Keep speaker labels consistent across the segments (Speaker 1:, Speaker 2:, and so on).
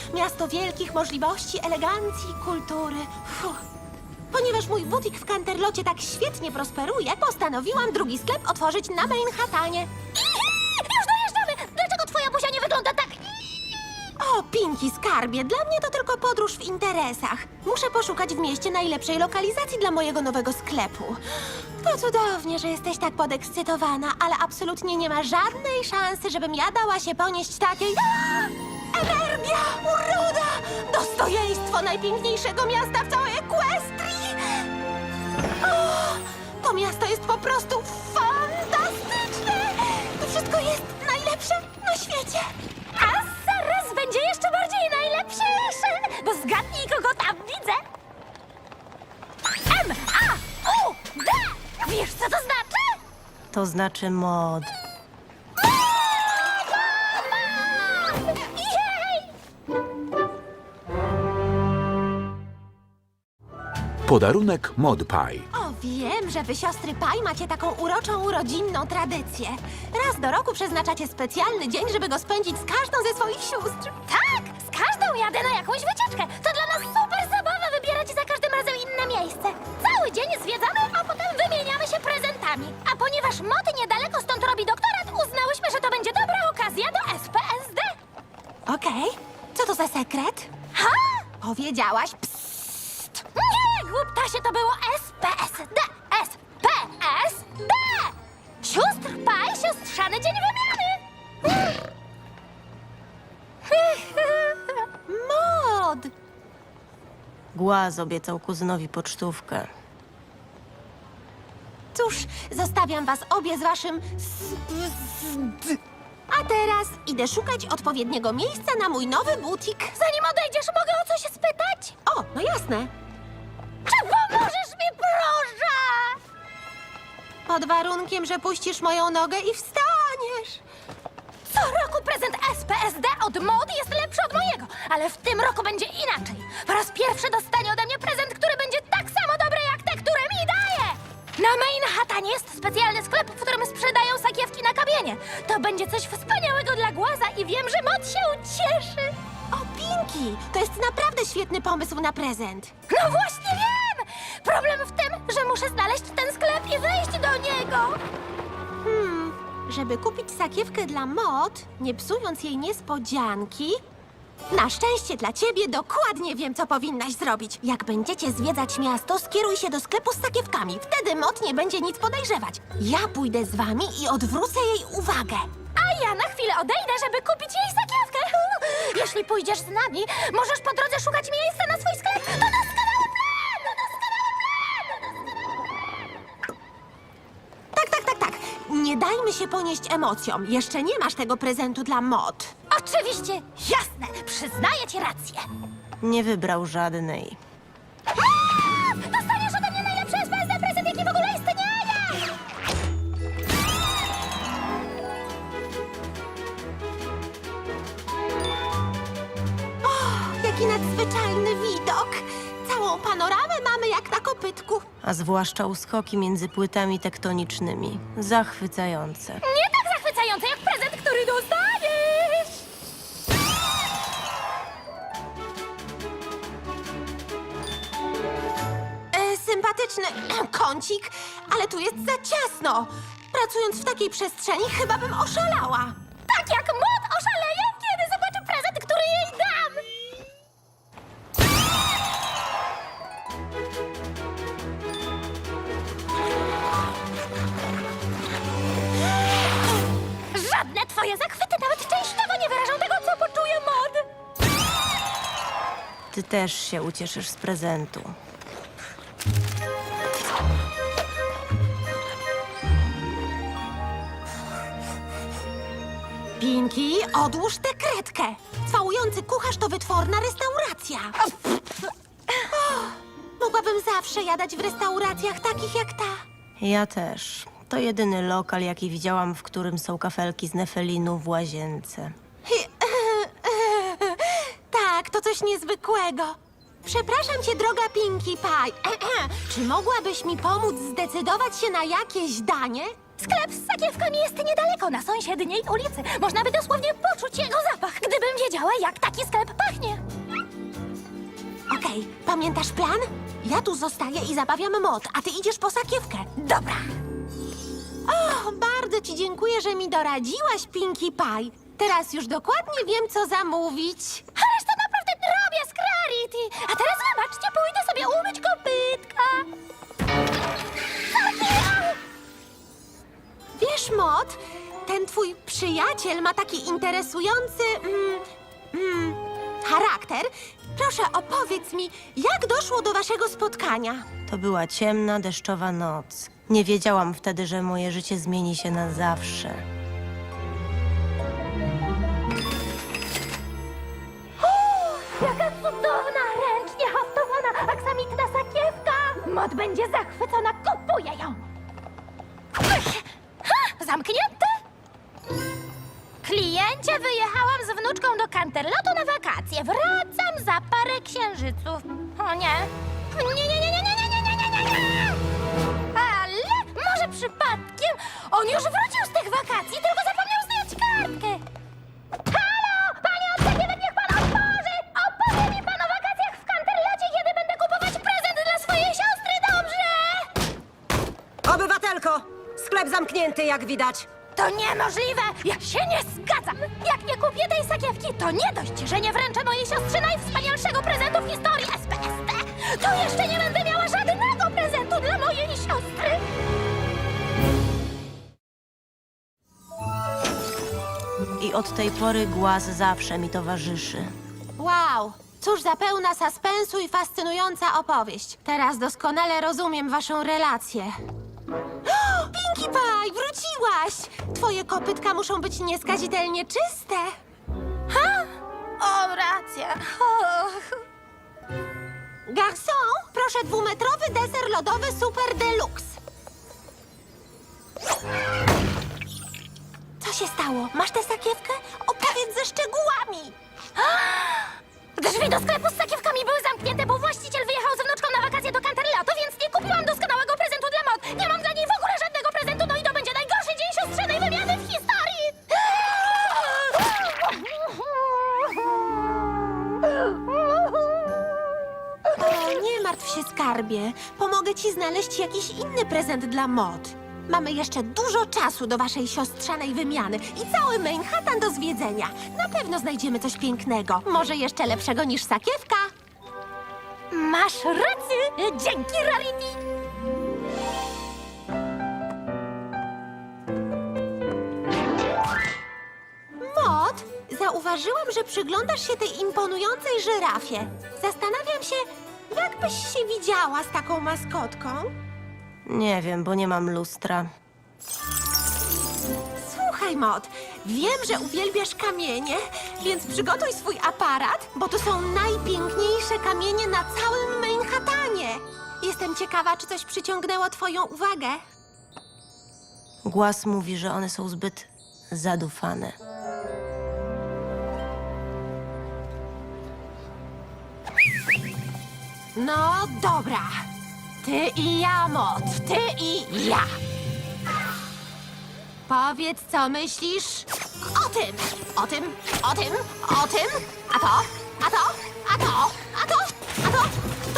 Speaker 1: Miasto wielkich możliwości, elegancji, kultury. Fuh. Ponieważ mój butik w Canterlocie tak świetnie prosperuje, postanowiłam drugi sklep otworzyć na Manhattanie.
Speaker 2: Już dojeżdżamy! Dlaczego twoja buzia nie wygląda tak?
Speaker 1: O, Pinki, skarbie, dla mnie to tylko podróż w interesach. Muszę poszukać w mieście najlepszej lokalizacji dla mojego nowego sklepu. To cudownie, że jesteś tak podekscytowana, ale absolutnie nie ma żadnej szansy, żebym ja dała się ponieść takiej... Energia, uroda, dostojeństwo najpiękniejszego miasta w całej Equestrii. O, to miasto jest po prostu fantastyczne. To wszystko jest najlepsze na świecie.
Speaker 2: A zaraz będzie jeszcze bardziej najlepsze, bo zgadnij, kogo tam widzę. M-A-U-D! Wiesz, co to znaczy?
Speaker 3: To znaczy mod.
Speaker 2: Jej!
Speaker 4: Podarunek ModPie.
Speaker 1: O, wiem, że wy, siostry Paj, macie taką uroczą, rodzinną tradycję. Raz do roku przeznaczacie specjalny dzień, żeby go spędzić z każdą ze swoich sióstr.
Speaker 2: Tak, z każdą jadę na jakąś wycieczkę. To dla nas super zabawa wybierać za każdym razem inne miejsce. Cały dzień zwiedzamy, a potem wymieniamy się prezentami. A ponieważ Mot niedaleko stąd robi doktorat, uznałyśmy, że to będzie dobra okazja do SPSD.
Speaker 1: Okej, co to za sekret?
Speaker 2: Ha!
Speaker 1: Powiedziałaś psst.
Speaker 2: Nie, głuptasie, to było SPSD. SPSD! Sióstr Paj, siostrzany dzień wymiany.
Speaker 1: Mod!
Speaker 3: Głaz obiecał kuzynowi pocztówkę.
Speaker 1: Cóż, zostawiam was obie z waszym A teraz idę szukać odpowiedniego miejsca na mój nowy butik.
Speaker 2: Zanim odejdziesz, mogę o coś spytać?
Speaker 1: O, no jasne.
Speaker 2: Czy pomożesz mi, proszę?
Speaker 1: Pod warunkiem, że puścisz moją nogę i wstaniesz.
Speaker 2: Co roku prezent SPSD od Mody jest lepszy od mojego, ale w tym roku będzie inaczej. Po raz pierwszy dostanie ode mnie prezent, który będzie tak samo dobry jak te, które mi daje. Na Manhattanie jest specjalny sklep, w którym sprzedają sakiewki na kamienie. To będzie coś wspaniałego dla Głaza i wiem, że Mod się ucieszy.
Speaker 1: O, Pinki, to jest naprawdę świetny pomysł na prezent.
Speaker 2: No właśnie wiem! Problem w tym, że muszę znaleźć ten sklep i wejść do niego.
Speaker 1: Żeby kupić sakiewkę dla Mod, nie psując jej niespodzianki... Na szczęście dla ciebie dokładnie wiem, co powinnaś zrobić. Jak będziecie zwiedzać miasto, skieruj się do sklepu z sakiewkami. Wtedy Mod nie będzie nic podejrzewać. Ja pójdę z wami i odwrócę jej uwagę.
Speaker 2: A ja na chwilę odejdę, żeby kupić jej sakiewkę. Jeśli pójdziesz z nami, możesz po drodze szukać miejsca na swój sklep. To doskonały plan! To doskonały plan!
Speaker 1: Tak. Nie dajmy się ponieść emocjom. Jeszcze nie masz tego prezentu dla Mod.
Speaker 2: Oczywiście, jasne, przyznaję ci rację.
Speaker 3: Nie wybrał żadnej.
Speaker 2: Dostaniesz ode mnie najlepszy SPSD prezent, jaki w ogóle istnieje!
Speaker 1: Jaki nadzwyczajny widok. Całą panoramę mamy jak na kopytku.
Speaker 3: A zwłaszcza uskoki między płytami tektonicznymi. Zachwycające.
Speaker 2: Nie tak zachwycające jak prezent, który dostaniesz!
Speaker 1: Sympatyczny kącik, ale tu jest za ciasno. Pracując w takiej przestrzeni, chyba bym oszalała.
Speaker 2: Tak jak Mod oszaleje, kiedy zobaczy prezent, który jej dam! Żadne twoje zachwyty nawet częściowo nie wyrażą tego, co poczuje Mod.
Speaker 3: Ty też się ucieszysz z prezentu.
Speaker 1: Pinki, odłóż tę kredkę. Całujący kucharz to wytworna restauracja. Mogłabym zawsze jadać w restauracjach takich jak ta.
Speaker 3: Ja też. To jedyny lokal, jaki widziałam, w którym są kafelki z nefelinu w łazience.
Speaker 1: Tak, to coś niezwykłego. Przepraszam cię, droga Pinkie Pie. Czy mogłabyś mi pomóc zdecydować się na jakieś danie?
Speaker 2: Sklep z sakiewkami jest niedaleko, na sąsiedniej ulicy. Można by dosłownie poczuć jego zapach, gdybym wiedziała, jak taki sklep pachnie.
Speaker 1: Okej, pamiętasz plan? Ja tu zostaję i zabawiam Mod, a ty idziesz po sakiewkę.
Speaker 2: Dobra.
Speaker 1: O, bardzo ci dziękuję, że mi doradziłaś, Pinkie Pie. Teraz już dokładnie wiem, co zamówić.
Speaker 2: Ależ to naprawdę drobiazg Rarity. A teraz wybaczcie, pójdę sobie umyć kopytka.
Speaker 1: Wiesz, Mod, ten twój przyjaciel ma taki interesujący charakter. Proszę, opowiedz mi, jak doszło do waszego spotkania?
Speaker 3: To była ciemna, deszczowa noc. Nie wiedziałam wtedy, że moje życie zmieni się na zawsze.
Speaker 2: Jaka cudowna, ręcznie haftowana, aksamitna sakiewka. Mod będzie zachwycona, kupuję ją. Zamknięte? Kliencie, wyjechałam z wnuczką do Canterlotu na wakacje. Wracam za parę księżyców. O nie. Nie. Ale może przypadkiem on już wrócił z tych wakacji, tylko zapomniał zdjąć kartkę. Halo! Panie od sakiewek, niech pan otworzy! Opowie mi pan o wakacjach w Canterlocie, kiedy będę kupować prezent dla swojej siostry, dobrze?
Speaker 5: Obywatelko! Sklep zamknięty, jak widać.
Speaker 2: To niemożliwe! Ja się nie zgadzam! Jak nie kupię tej sakiewki, to nie dość, że nie wręczę mojej siostrze najwspanialszego prezentu w historii SPSD, to jeszcze nie będę miała żadnego prezentu dla mojej siostry!
Speaker 3: I od tej pory głaz zawsze mi towarzyszy.
Speaker 1: Wow, cóż za pełna suspensu i fascynująca opowieść. Teraz doskonale rozumiem waszą relację. O, Pinkie Pie, wróciłaś! Twoje kopytka muszą być nieskazitelnie czyste.
Speaker 2: O, racja.
Speaker 1: Garçon, proszę 2-metrowy deser lodowy Super Deluxe. Co się stało? Masz tę sakiewkę? Opowiedz ze szczegółami.
Speaker 2: Drzwi do sklepu z sakiewkami były zamknięte, bo właściciel wyjechał z wnuczką na wakacje do Canterlotu, więc nie kupiłam doskonałego prezentu dla Mod. Nie mam dla niej w ogóle żadnego prezentu, no i to będzie najgorszy dzień siostrzenej wymiany w historii!
Speaker 1: O, nie martw się, skarbie. Pomogę ci znaleźć jakiś inny prezent dla Mod. Mamy jeszcze dużo czasu do waszej siostrzanej wymiany i cały Manhattan do zwiedzenia. Na pewno znajdziemy coś pięknego. Może jeszcze lepszego niż sakiewka.
Speaker 2: Masz rację! Dzięki, Rarity!
Speaker 1: Mod, zauważyłam, że przyglądasz się tej imponującej żyrafie. Zastanawiam się, jak byś się widziała z taką maskotką?
Speaker 3: Nie wiem, bo nie mam lustra.
Speaker 1: Słuchaj, Mod, wiem, że uwielbiasz kamienie, więc przygotuj swój aparat, bo to są najpiękniejsze kamienie na całym Manhattanie. Jestem ciekawa, czy coś przyciągnęło twoją uwagę.
Speaker 3: Głaz mówi, że one są zbyt zadufane.
Speaker 1: No dobra. Ty i ja, Mod, ty i ja. Powiedz, co myślisz o tym, o tym, o tym, o tym, a to, a to, a to, a to, a to,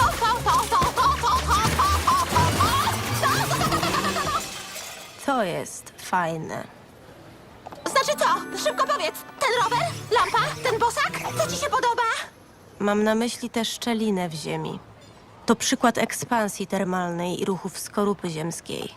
Speaker 3: To jest fajne.
Speaker 1: Znaczy co? Szybko powiedz. Ten rower? Lampa? Ten bosak? Co ci się podoba?
Speaker 3: Mam na myśli tę szczelinę w ziemi. To przykład ekspansji termalnej i ruchów skorupy ziemskiej.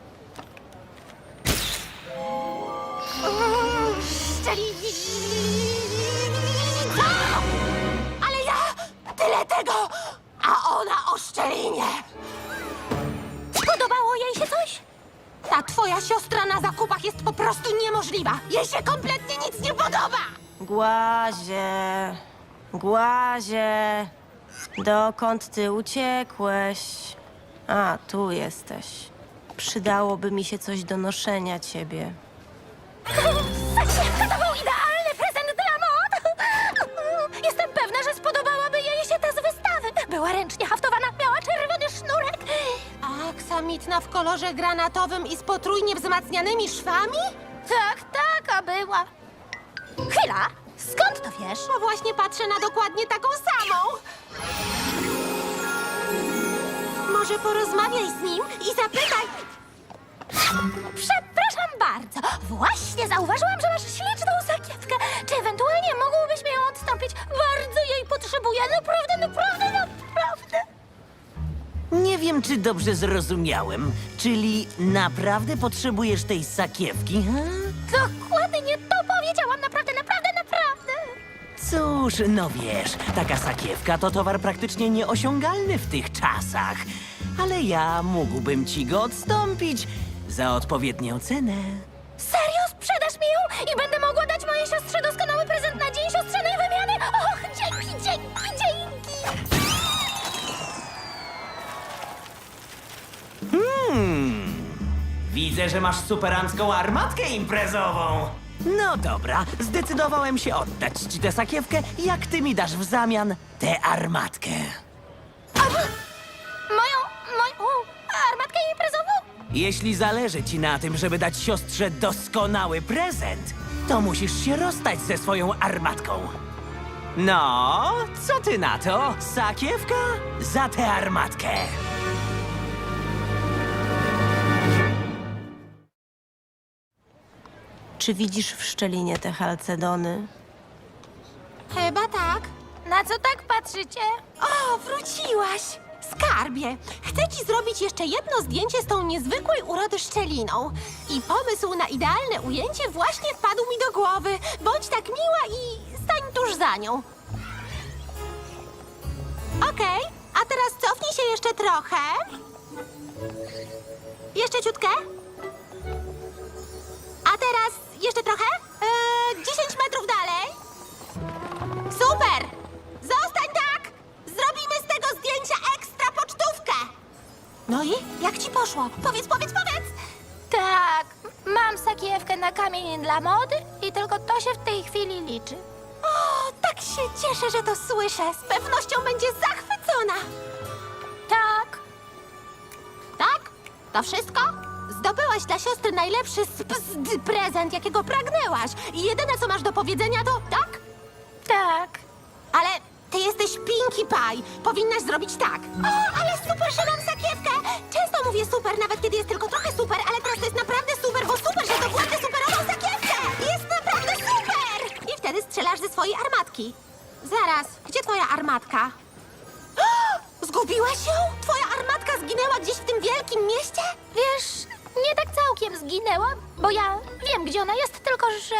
Speaker 1: Ale ja tyle tego, a ona o szczelinie.
Speaker 2: Podobało jej się coś?
Speaker 1: Ta twoja siostra na zakupach jest po prostu niemożliwa. Jej się kompletnie nic nie podoba.
Speaker 3: Głazie, głazie, dokąd ty uciekłeś? A, tu jesteś. Przydałoby mi się coś do noszenia ciebie.
Speaker 2: Sakiewka to był idealny prezent dla Mod! Jestem pewna, że spodobałaby jej się ta z wystawy. Była ręcznie haftowana, miała czerwony sznurek.
Speaker 1: Aksamitna w kolorze granatowym i z potrójnie wzmacnianymi szwami?
Speaker 2: Tak, a była. Chwila, skąd to wiesz?
Speaker 1: Bo właśnie patrzę na dokładnie taką samą. Może porozmawiaj z nim i zapytaj...
Speaker 2: Przepraszam bardzo. Właśnie zauważyłam, że masz śliczną sakiewkę. Czy ewentualnie mógłbyś mi ją odstąpić? Bardzo jej potrzebuję. Naprawdę.
Speaker 6: Nie wiem, czy dobrze zrozumiałem. Czyli naprawdę potrzebujesz tej sakiewki, ha?
Speaker 2: Dokładnie to powiedziałam. Naprawdę.
Speaker 6: Cóż, no wiesz, taka sakiewka to towar praktycznie nieosiągalny w tych czasach. Ale ja mógłbym ci go odstąpić za odpowiednią cenę.
Speaker 2: Serio? Sprzedasz mi ją i będę mogła dać mojej siostrze doskonały prezent na dzień siostrzanej wymiany? Och, dzięki.
Speaker 6: Widzę, że masz superancką armatkę imprezową. No dobra, zdecydowałem się oddać ci tę sakiewkę, jak ty mi dasz w zamian tę armatkę.
Speaker 2: Moją armatkę imprezową?
Speaker 6: Jeśli zależy ci na tym, żeby dać siostrze doskonały prezent, to musisz się rozstać ze swoją armatką. No, co ty na to? Sakiewka za tę armatkę.
Speaker 3: Czy widzisz w szczelinie te halcedony?
Speaker 1: Chyba tak.
Speaker 2: Na co tak patrzycie?
Speaker 1: O, wróciłaś! Skarbie, chcę ci zrobić jeszcze jedno zdjęcie z tą niezwykłej urody szczeliną. I pomysł na idealne ujęcie właśnie wpadł mi do głowy. Bądź tak miła i stań tuż za nią. Okej, a teraz cofnij się jeszcze trochę. Jeszcze ciutkę. A teraz jeszcze trochę. 10 metrów dalej. Super! Zostań tak! Zrobimy z tego zdjęcia ekstra pocztówkę! No i? Jak ci poszło? Powiedz!
Speaker 2: Tak, mam sakiewkę na kamień dla mody i tylko to się w tej chwili liczy.
Speaker 1: O, tak się cieszę, że to słyszę. Z pewnością będzie zachwycona.
Speaker 2: Tak.
Speaker 1: Tak? To wszystko? Zdobyłaś dla siostry najlepszy prezent, jakiego pragnęłaś. I jedyne, co masz do powiedzenia, to tak?
Speaker 2: Tak.
Speaker 1: Ale ty jesteś Pinkie Pie. Powinnaś zrobić tak. O, ale super, że mam sakiewkę. Często mówię super, nawet kiedy jest tylko trochę super, ale teraz to jest naprawdę super, bo super, że dokładnie superową sakiewkę. Jest naprawdę super! I wtedy strzelasz ze swojej armatki. Zaraz, gdzie twoja armatka? O, zgubiłaś ją? Twoja armatka zginęła gdzieś w tym wielkim mieście?
Speaker 2: Wiesz, nie tak całkiem zginęła, bo ja wiem, gdzie ona jest, tylko że...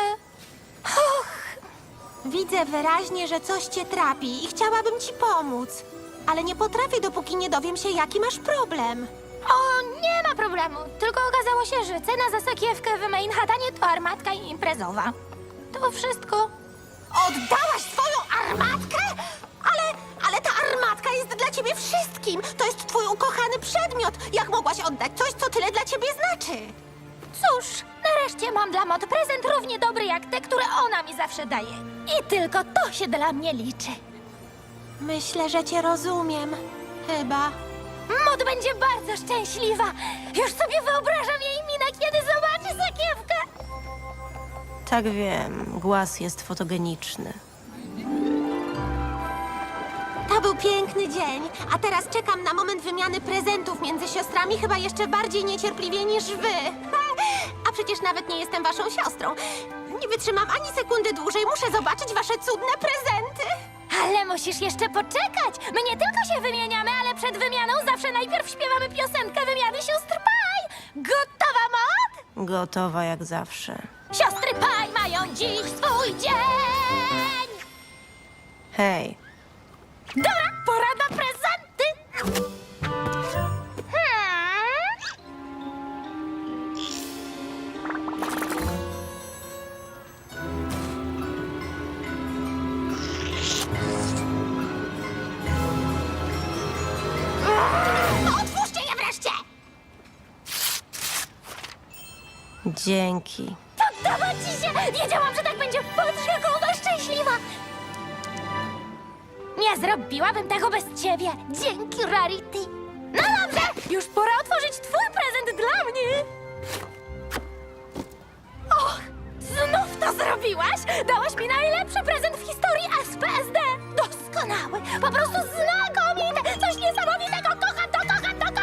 Speaker 1: Widzę wyraźnie, że coś cię trapi i chciałabym ci pomóc. Ale nie potrafię, dopóki nie dowiem się, jaki masz problem.
Speaker 2: O, nie ma problemu. Tylko okazało się, że cena za sakiewkę w Manhattanie to armatka imprezowa. To wszystko.
Speaker 1: Oddałaś swoją armatkę? Ale ta armatka jest dla ciebie wszystkim. To jest twój ukochany przedmiot. Jak mogłaś oddać coś, co tyle dla ciebie znaczy?
Speaker 2: Cóż, nareszcie mam dla Mod prezent równie dobry jak te, które ona mi zawsze daje. I tylko to się dla mnie liczy.
Speaker 1: Myślę, że cię rozumiem. Chyba.
Speaker 2: Mod będzie bardzo szczęśliwa. Już sobie wyobrażam jej minę, kiedy zobaczy sakiewkę.
Speaker 3: Tak wiem, głaz jest fotogeniczny.
Speaker 1: To był piękny dzień, a teraz czekam na moment wymiany prezentów między siostrami, chyba jeszcze bardziej niecierpliwie niż wy. A przecież nawet nie jestem waszą siostrą. Nie wytrzymam ani sekundy dłużej, muszę zobaczyć wasze cudne prezenty.
Speaker 2: Ale musisz jeszcze poczekać. My nie tylko się wymieniamy, ale przed wymianą zawsze najpierw śpiewamy piosenkę wymiany sióstr Pie. Gotowa, Mod?
Speaker 3: Gotowa jak zawsze.
Speaker 2: Siostry Pie mają dziś swój dzień.
Speaker 3: Hej,
Speaker 2: Dobra, pora na prezenty.
Speaker 1: Otwórzcie je wreszcie!
Speaker 3: dzięki.
Speaker 2: Podoba ci się? Wiedziałam, że tak będzie. Patrz, jaka ona szczęśliwa. Nie zrobiłabym tego bez ciebie. Dzięki, Rarity. No dobrze, już pora otworzyć twój prezent dla mnie. Och, znów to zrobiłaś? Dałaś mi najlepszy prezent w historii SPSD. Doskonały, po prostu znakomity. Coś niesamowitego. Kocham to, kocham to, kocham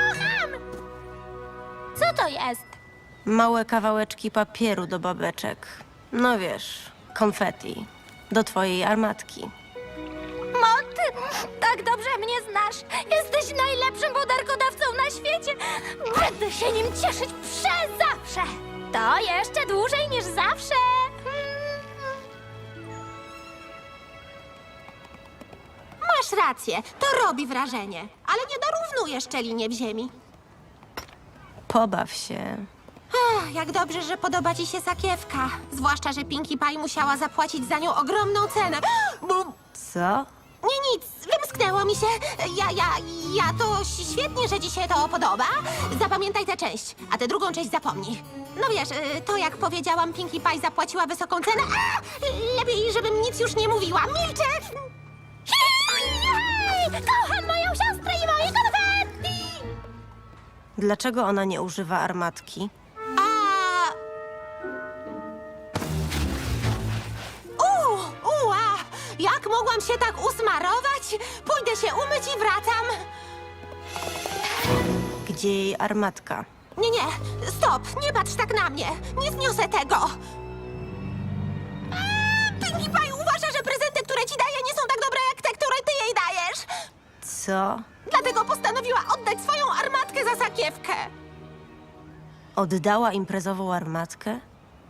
Speaker 3: Małe kawałeczki papieru do babeczek. No wiesz, konfetti. Do twojej armatki.
Speaker 2: Mod, tak dobrze mnie znasz. Jesteś najlepszym podarkodawcą na świecie. Będę się nim cieszyć przez zawsze. To jeszcze dłużej niż zawsze.
Speaker 1: Masz rację, to robi wrażenie, ale nie dorównuje szczelinie w ziemi.
Speaker 3: Pobaw się.
Speaker 1: Ach, jak dobrze, że podoba ci się sakiewka. Zwłaszcza, że Pinkie Pie musiała zapłacić za nią ogromną cenę. Bum.
Speaker 3: Co?
Speaker 1: Nie, nic, wymsknęło mi się. Ja to świetnie, że ci się to podoba. Zapamiętaj tę część, a tę drugą część zapomnij. No wiesz, to jak powiedziałam, Pinkie Pie zapłaciła wysoką cenę. A! Lepiej, żebym nic już nie mówiła. Milczę!
Speaker 2: Hej! Kocham moją siostrę i moje konfetti!
Speaker 3: Dlaczego ona nie używa armatki?
Speaker 1: Jak mogłam się tak usmarować? Pójdę się umyć i wracam.
Speaker 3: Gdzie jej armatka?
Speaker 1: Nie, stop, nie patrz tak na mnie. Nie zniosę tego. Pinkie Pie uważa, że prezenty, które ci daje, nie są tak dobre jak te, które ty jej dajesz.
Speaker 3: Co?
Speaker 1: Dlatego postanowiła oddać swoją armatkę za sakiewkę.
Speaker 3: Oddała imprezową armatkę?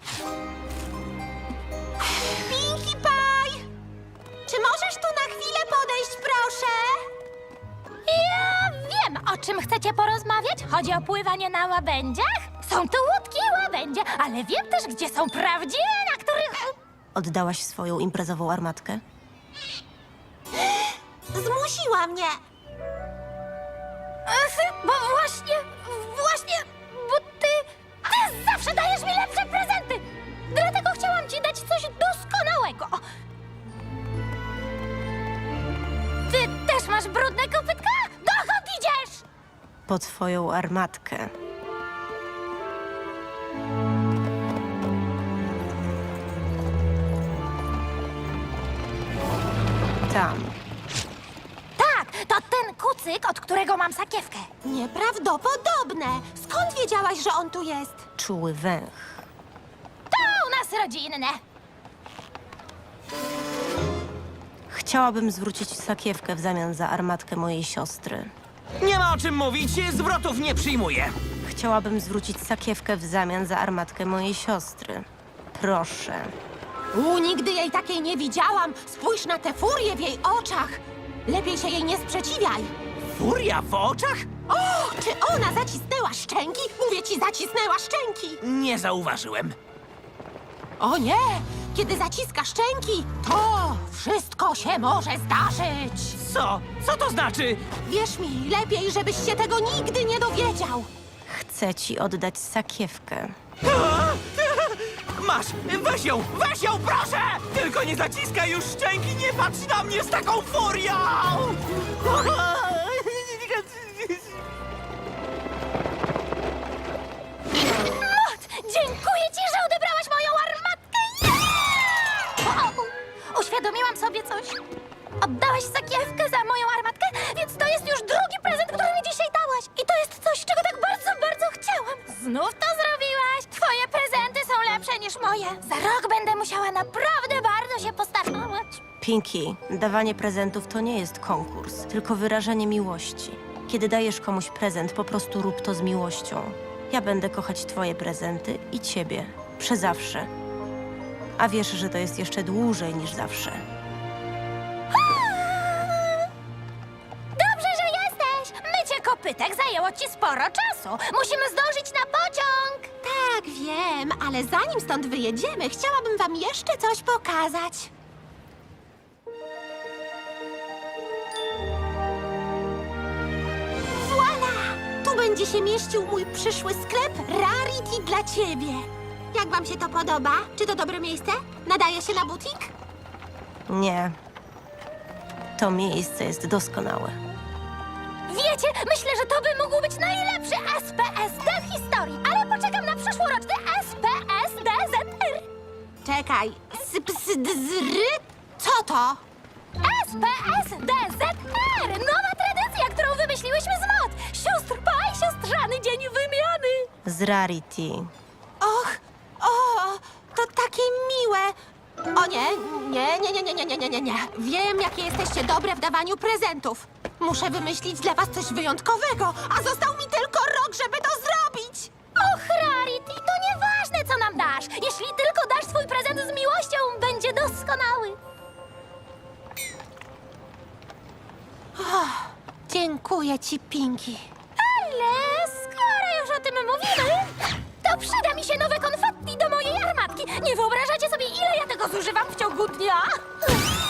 Speaker 1: Pinkie Pie! Czy możesz tu na chwilę podejść, proszę?
Speaker 2: Ja wiem, o czym chcecie porozmawiać. Chodzi o pływanie na łabędziach? Są tu łódki i łabędzie, ale wiem też, gdzie są prawdziwe, na których...
Speaker 3: Oddałaś swoją imprezową armatkę?
Speaker 1: Zmusiła mnie.
Speaker 2: Bo bo ty zawsze dajesz mi lepsze prezenty. Dlatego chciałam ci dać coś doskonałego. Ty też masz brudne kopytka? Dokąd idziesz?
Speaker 3: Po twoją armatkę. Tam.
Speaker 2: Tak, to ten kucyk, od którego mam sakiewkę.
Speaker 1: Nieprawdopodobne. Skąd wiedziałaś, że on tu jest?
Speaker 3: Czuły węch.
Speaker 2: To u nas rodzinne.
Speaker 3: Chciałabym zwrócić sakiewkę w zamian za armatkę mojej siostry.
Speaker 6: Nie ma o czym mówić, zwrotów nie przyjmuję.
Speaker 3: Chciałabym zwrócić sakiewkę w zamian za armatkę mojej siostry. Proszę.
Speaker 1: Nigdy jej takiej nie widziałam. Spójrz na tę furię w jej oczach. Lepiej się jej nie sprzeciwiaj.
Speaker 6: Furia w oczach?
Speaker 1: O, czy ona zacisnęła szczęki? Mówię ci, zacisnęła szczęki.
Speaker 6: Nie zauważyłem.
Speaker 1: O nie! Kiedy zaciska szczęki, to wszystko się może zdarzyć.
Speaker 6: Co? Co to znaczy?
Speaker 1: Wierz mi, lepiej, żebyś się tego nigdy nie dowiedział.
Speaker 3: Chcę ci oddać sakiewkę.
Speaker 6: Masz! Weź ją, proszę! Tylko nie zaciskaj już szczęki, nie patrz na mnie z taką furią!
Speaker 2: Mot, dziękuję ci, że odebrałaś moją armatkę. Uświadomiłam sobie coś. Oddałaś sakiewkę za moją armatkę, więc to jest już drugi prezent, który mi dzisiaj dałaś. I to jest coś, czego tak bardzo, bardzo chciałam. Znów to zrobiłaś. Twoje prezenty są lepsze niż moje. Za rok będę musiała naprawdę bardzo się postarać.
Speaker 3: Pinkie, dawanie prezentów to nie jest konkurs, tylko wyrażenie miłości. Kiedy dajesz komuś prezent, po prostu rób to z miłością. Ja będę kochać twoje prezenty i ciebie. Przezawsze. A wiesz, że to jest jeszcze dłużej niż zawsze.
Speaker 2: Dobrze, że jesteś. Mycie kopytek zajęło ci sporo czasu. Musimy zdążyć na pociąg.
Speaker 1: Tak, wiem, ale zanim stąd wyjedziemy, chciałabym wam jeszcze coś pokazać. Voila! Tu będzie się mieścił mój przyszły sklep Rarity dla ciebie. Jak wam się to podoba? Czy to dobre miejsce? Nadaje się na butik?
Speaker 3: Nie. To miejsce jest doskonałe.
Speaker 2: Wiecie, myślę, że to by mógł być najlepszy SPSD w historii, ale poczekam na przyszłoroczny SPSDZR.
Speaker 1: Czekaj, co to?
Speaker 2: SPSDZR! Nowa tradycja, którą wymyśliłyśmy z Mod. Sióstr Pie, siostrzany dzień wymiany.
Speaker 3: Z Rarity.
Speaker 1: nie. Wiem, jakie jesteście dobre w dawaniu prezentów. Muszę wymyślić dla was coś wyjątkowego, a został mi tylko rok, żeby to zrobić.
Speaker 2: Och, Rarity, to nieważne, co nam dasz. Jeśli tylko dasz swój prezent z miłością, będzie doskonały.
Speaker 1: Dziękuję ci, Pinki.
Speaker 2: Ale skoro już o tym mówimy, to przyda mi się nowe konfetti do mojej armatki. Nie wyobrażacie sobie, ile ja tego zużywam w ciągu dnia?